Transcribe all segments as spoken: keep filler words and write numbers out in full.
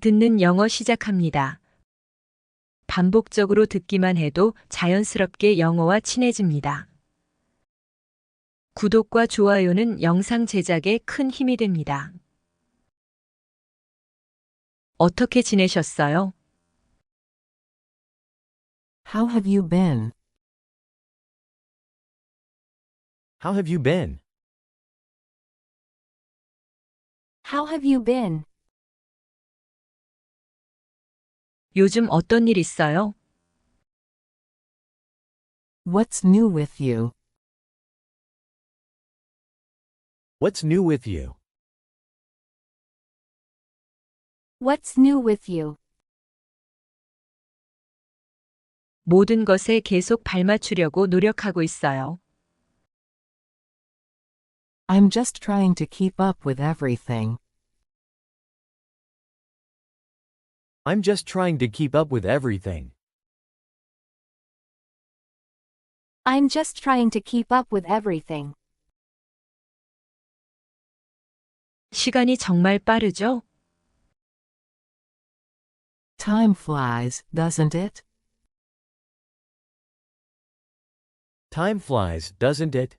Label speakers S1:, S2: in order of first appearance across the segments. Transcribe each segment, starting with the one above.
S1: 듣는 영어 시작합니다. 반복적으로 듣기만 해도 자연스럽게 영어와 친해집니다. 구독과 좋아요는 영상 제작에 큰 힘이 됩니다. 어떻게 지내셨어요?
S2: How have you been?
S3: How have you been?
S4: How have you been?
S1: 요즘 어떤 일 있어요?
S2: What's new with you?
S3: What's new with you?
S4: What's new with you?
S1: 모든 것에 계속 발맞추려고 노력하고 있어요.
S2: I'm just trying to keep up with everything.
S3: I'm just trying to keep up with everything.
S4: I'm just trying to keep up with everything.
S1: 시간이 정말 빠르죠?
S2: Time flies, doesn't it?
S3: Time flies, doesn't it?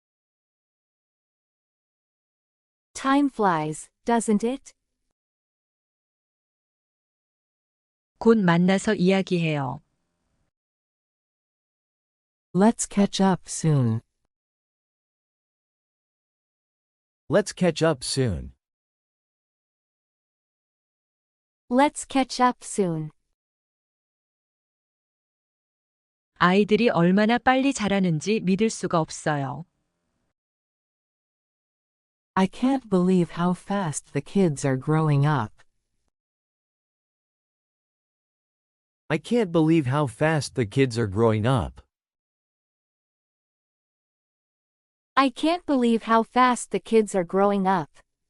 S4: Time flies, doesn't it?
S1: 곧 만나서 이야기해요.
S2: Let's catch up soon.
S3: Let's catch up soon.
S4: Let's catch up soon.
S1: 아이들이 얼마나 빨리 자라는지 믿을 수가 없어요.
S2: I can't believe how fast the kids are growing up.
S3: I can't believe how fast the kids are growing up.
S4: I can't believe how fast the kids are growing up.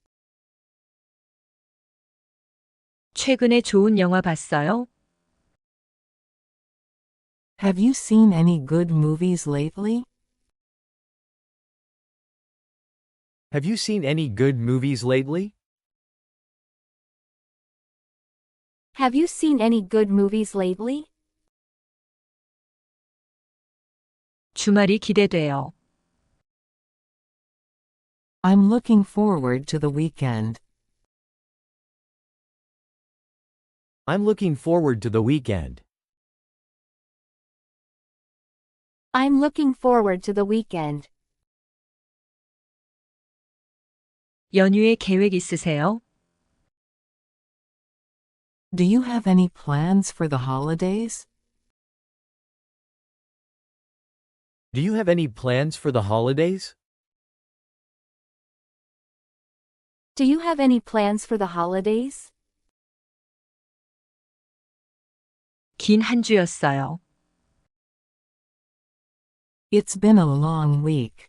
S1: 최근에 좋은 영화 봤어요?
S2: Have you seen any good movies lately?
S3: Have you seen any good movies lately?
S4: Have you seen any good movies lately?
S1: 주말이 기대돼요.
S2: I'm looking forward to the weekend.
S3: I'm looking forward to the weekend.
S4: I'm looking forward to the weekend.
S1: 연휴에 계획 있으세요?
S2: Do you have any plans for the holidays?
S3: Do you have any plans for the holidays?
S4: Do you have any plans for the holidays?
S1: 긴 한 주였어요.
S2: It's been a long week.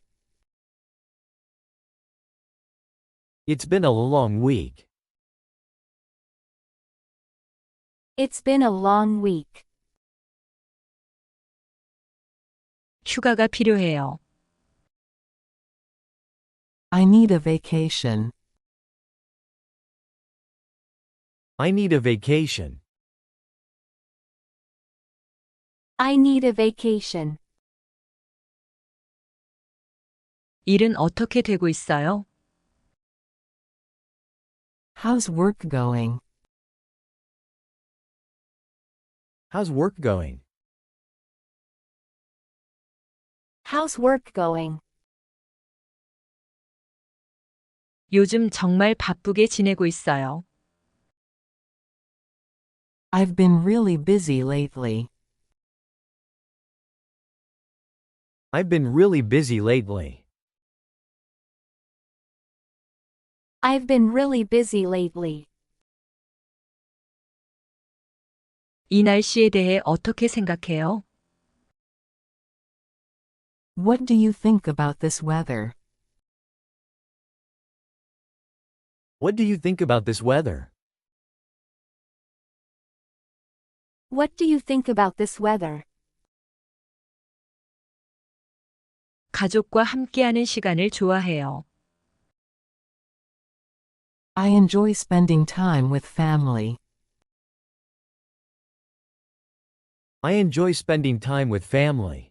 S3: It's been a long week.
S4: It's been a long week.
S1: 휴가가 필요해요.
S2: I need a vacation.
S3: I need a vacation.
S4: I need a vacation.
S1: 일은 어떻게 되고 있어요?
S2: How's work going?
S3: How's work going?
S4: How's work going?
S1: 요즘 정말 바쁘게 지내고 있어요.
S2: I've been really busy lately.
S3: I've been really busy lately.
S4: I've been really busy lately.
S1: 이 날씨에 대해 어떻게 생각해요?
S2: What do you think about this weather?
S3: What do you think about this weather?
S4: What do you think about this weather?
S1: 가족과 함께하는 시간을 좋아해요.
S2: I enjoy spending time with family.
S3: I enjoy spending time with family.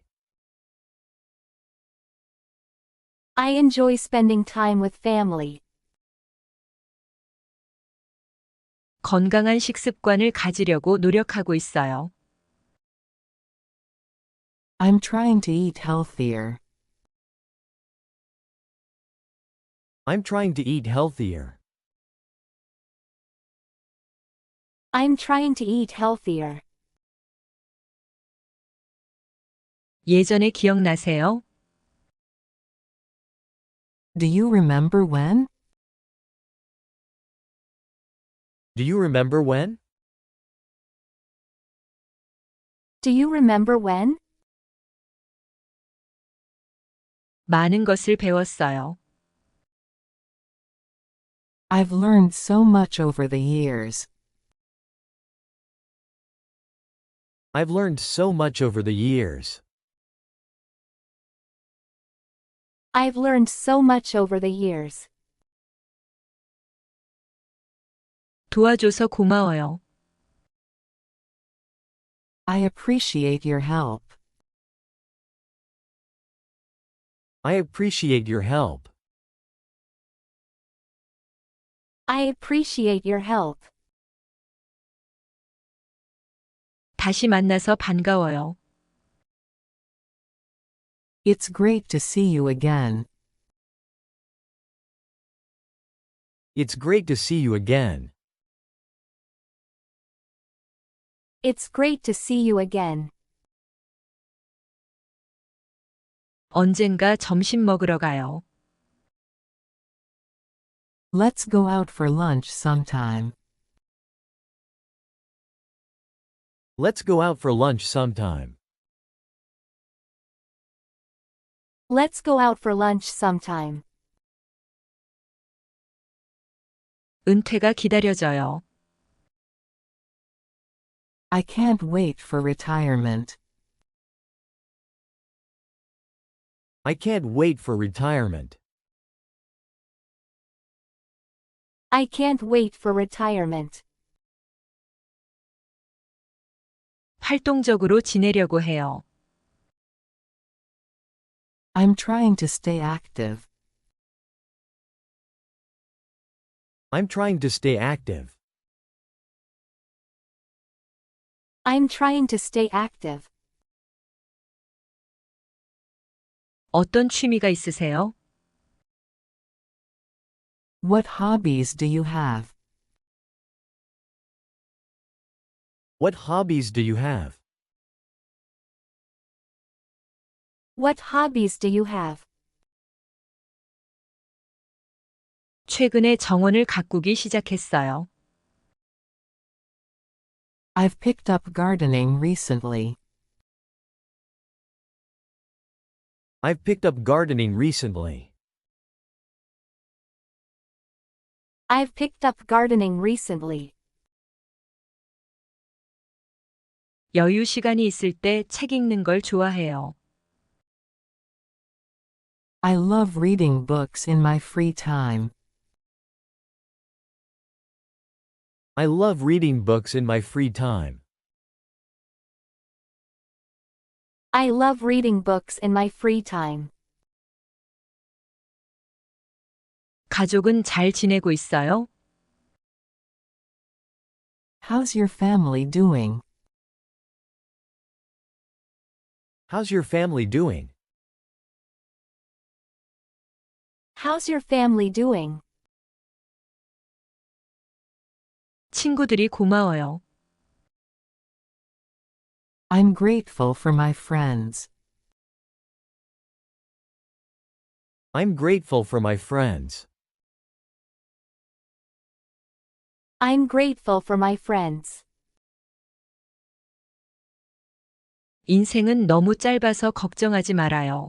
S4: I enjoy spending time with family.
S1: 건강한 식습관을 가지려고 노력하고 있어요.
S2: I'm trying to eat healthier.
S3: I'm trying to eat healthier.
S4: I'm trying to eat healthier.
S1: 예전에 기억나세요?
S2: Do you remember when?
S3: Do you remember when?
S4: Do you remember when?
S1: 많은 것을 배웠어요.
S2: I've learned so much over the years.
S3: I've learned so much over the years.
S4: I've learned so much over the years.
S1: 도와줘서 고마워요.
S2: I appreciate your help.
S3: I appreciate your help.
S4: I appreciate your help.
S1: 다시 만나서 반가워요.
S2: It's great to see you again.
S3: It's great to see you again.
S4: It's great to see you again.
S1: 언젠가 점심 먹으러 가요.
S2: Let's go out for lunch sometime.
S3: Let's go out for lunch sometime.
S4: Let's go out for lunch sometime.
S1: 은퇴가 기다려져요.
S2: I can't wait for retirement.
S3: I can't wait for retirement.
S4: I can't wait for retirement.
S1: 활동적으로 지내려고 해요.
S2: I'm trying to stay active.
S3: I'm trying to stay active.
S4: I'm trying to stay active.
S1: 어떤 취미가 있으세요?
S2: What hobbies do you have?
S3: What hobbies do you have?
S4: What hobbies do you have?
S1: 최근에 정원을 가꾸기 시작했어요.
S2: I've picked up gardening recently.
S3: I've picked up gardening recently.
S4: I've picked up gardening recently.
S1: 여유 시간이 있을 때 책 읽는 걸 좋아해요.
S2: I love reading books in my free time.
S3: I love reading books in my free time.
S4: I love reading books in my free time.
S1: 가족은 잘 지내고 있어요?
S2: How's your family doing?
S3: How's your family doing?
S4: How's your family doing?
S1: 친구들이 고마워요.
S2: I'm grateful for my friends.
S3: I'm grateful for my friends.
S4: I'm grateful for my friends.
S1: 인생은 너무 짧아서 걱정하지 말아요.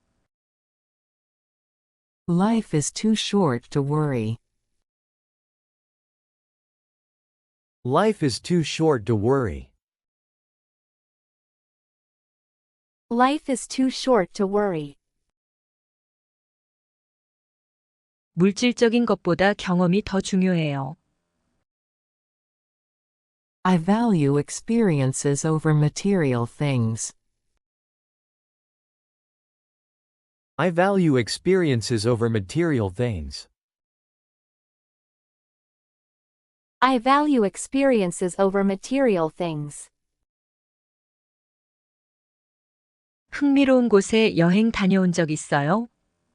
S2: Life is too short to worry.
S3: Life is too short to worry.
S4: Life is too short to worry.
S1: 물질적인 것보다 경험이 더 중요해요.
S2: I value experiences over material things.
S3: I value experiences over material things.
S4: I value experiences over material things.
S1: 흥미로운 곳에 여행 다녀온 적 있어요?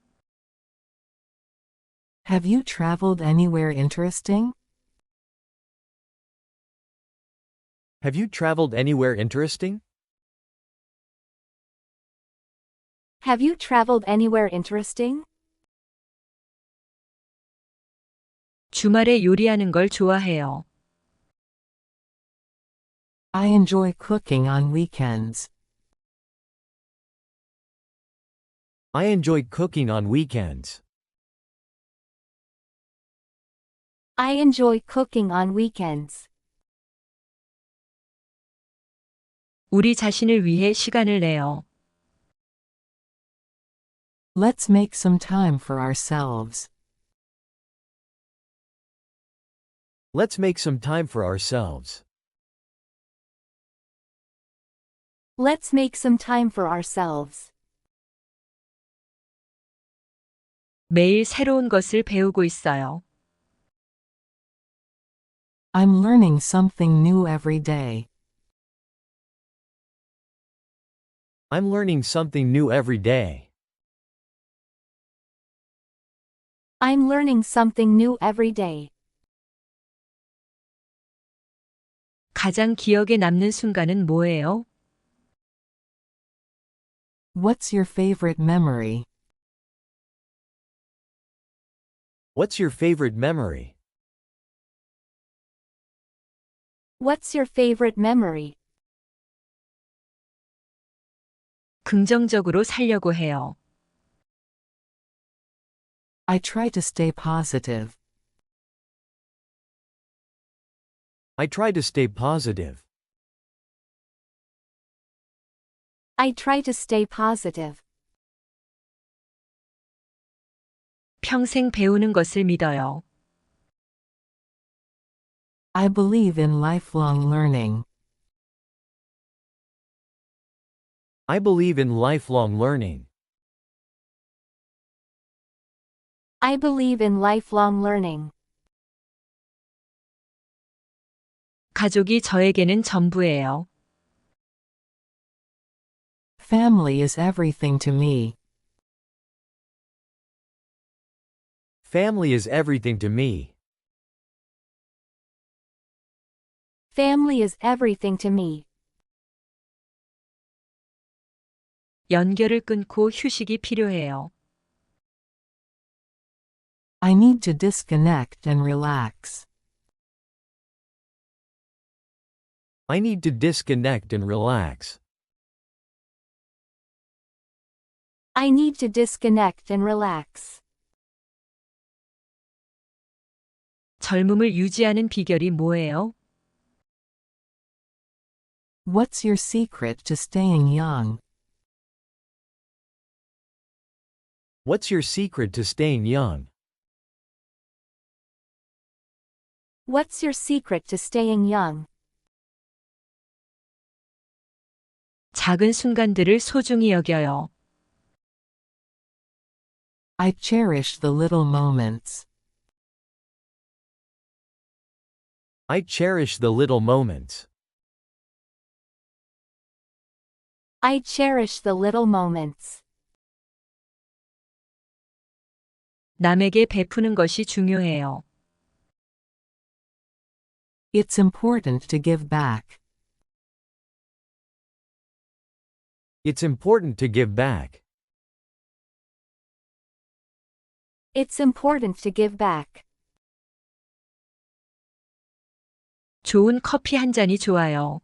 S2: Have you traveled anywhere interesting?
S3: Have you traveled anywhere interesting?
S4: Have you traveled anywhere interesting?
S1: 주말에 요리하는 걸 좋아해요.
S2: I enjoy cooking on weekends.
S3: I enjoy cooking on weekends.
S4: I enjoy cooking on weekends.
S1: 우리 자신을 위해 시간을 내요.
S2: Let's make some time for ourselves.
S3: Let's make some time for ourselves.
S4: Let's make some time for ourselves.
S1: 매일 새로운 것을 배우고 있어요.
S2: I'm learning something new every day.
S3: I'm learning something new every day.
S4: I'm learning something new every day.
S1: 가장 기억에 남는 순간은 뭐예요?
S2: What's your favorite memory?
S3: What's your favorite memory?
S4: What's your favorite memory?
S1: 긍정적으로 살려고 해요.
S2: I try to stay positive.
S3: I try to stay positive.
S4: I try to stay positive.
S1: 평생 배우는 것을 믿어요.
S2: I believe in lifelong learning.
S3: I believe in lifelong learning.
S4: I believe in lifelong learning.
S1: 가족이 저에게는 전부예요.
S2: Family is everything to me.
S3: Family is everything to me.
S4: Family is everything to me.
S1: 연결을 끊고 휴식이 필요해요.
S2: I need to disconnect and relax.
S3: I need to disconnect and relax.
S4: I need to disconnect and relax.
S1: 젊음을 유지하는 비결이 뭐예요?
S2: What's your secret to staying young?
S3: What's your secret to staying young?
S4: What's your secret to staying young?
S1: 작은 순간들을 소중히 여겨요.
S2: I cherish the little moments.
S3: I cherish the little moments.
S4: I cherish the little moments.
S1: 남에게 베푸는 것이 중요해요.
S2: It's important to give back.
S3: It's important to give back.
S4: It's important to give back.
S1: 좋은 커피 한 잔이 좋아요.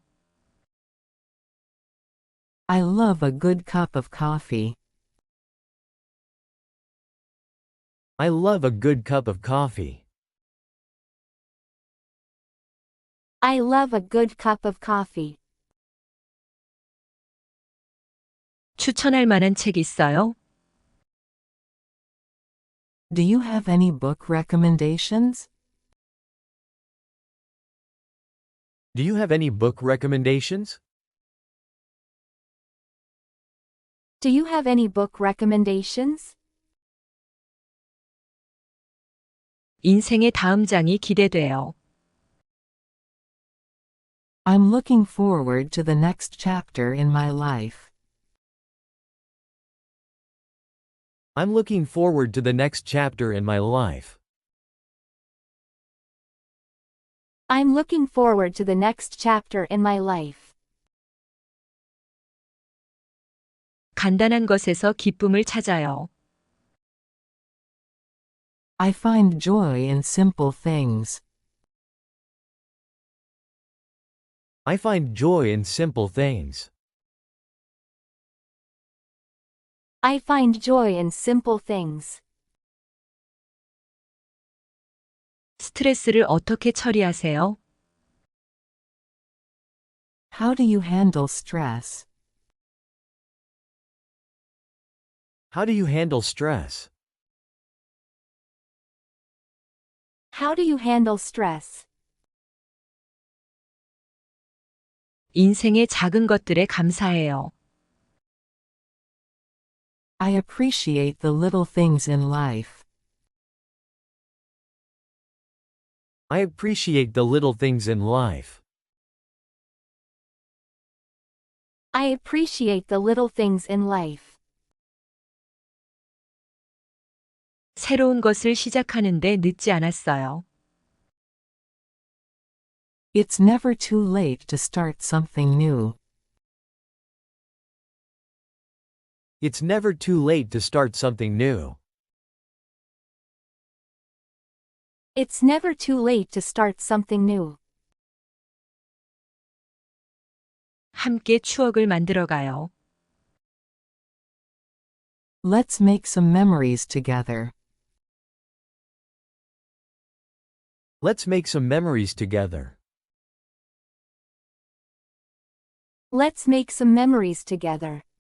S2: I love a good cup of coffee.
S3: I love a good cup of coffee.
S4: I love a good cup of coffee.
S1: 추천할 만한 책 있어요?
S2: Do you have any book recommendations?
S3: Do you have any book recommendations?
S4: Do you have any book recommendations?
S1: 인생의 다음 장이 기대돼요.
S2: I'm looking forward to the next chapter in my life.
S3: I'm looking forward to the next chapter in my life.
S4: I'm looking forward to the next chapter in my life.
S1: 간단한 것에서 기쁨을 찾아요.
S2: I find joy in simple things.
S3: I find joy in simple things.
S4: I find joy in simple things.
S1: 스트레스를 어떻게 처리하세요?
S2: How do you handle stress?
S3: How do you handle stress?
S4: How do you handle stress?
S1: 인생의 작은 것들에 감사해요.
S2: I appreciate the little things in life.
S3: I appreciate the little things in life.
S4: I appreciate the little things in life.
S1: 새로운 것을 시작하는데 늦지 않았어요.
S2: It's never too late to start something new.
S3: It's never too late to start something new.
S4: It's never too late to start something new.
S1: 함께 추억을 만들어가요.
S2: Let's make some memories together.
S3: Let's make some memories together.
S4: Let's make some memories together.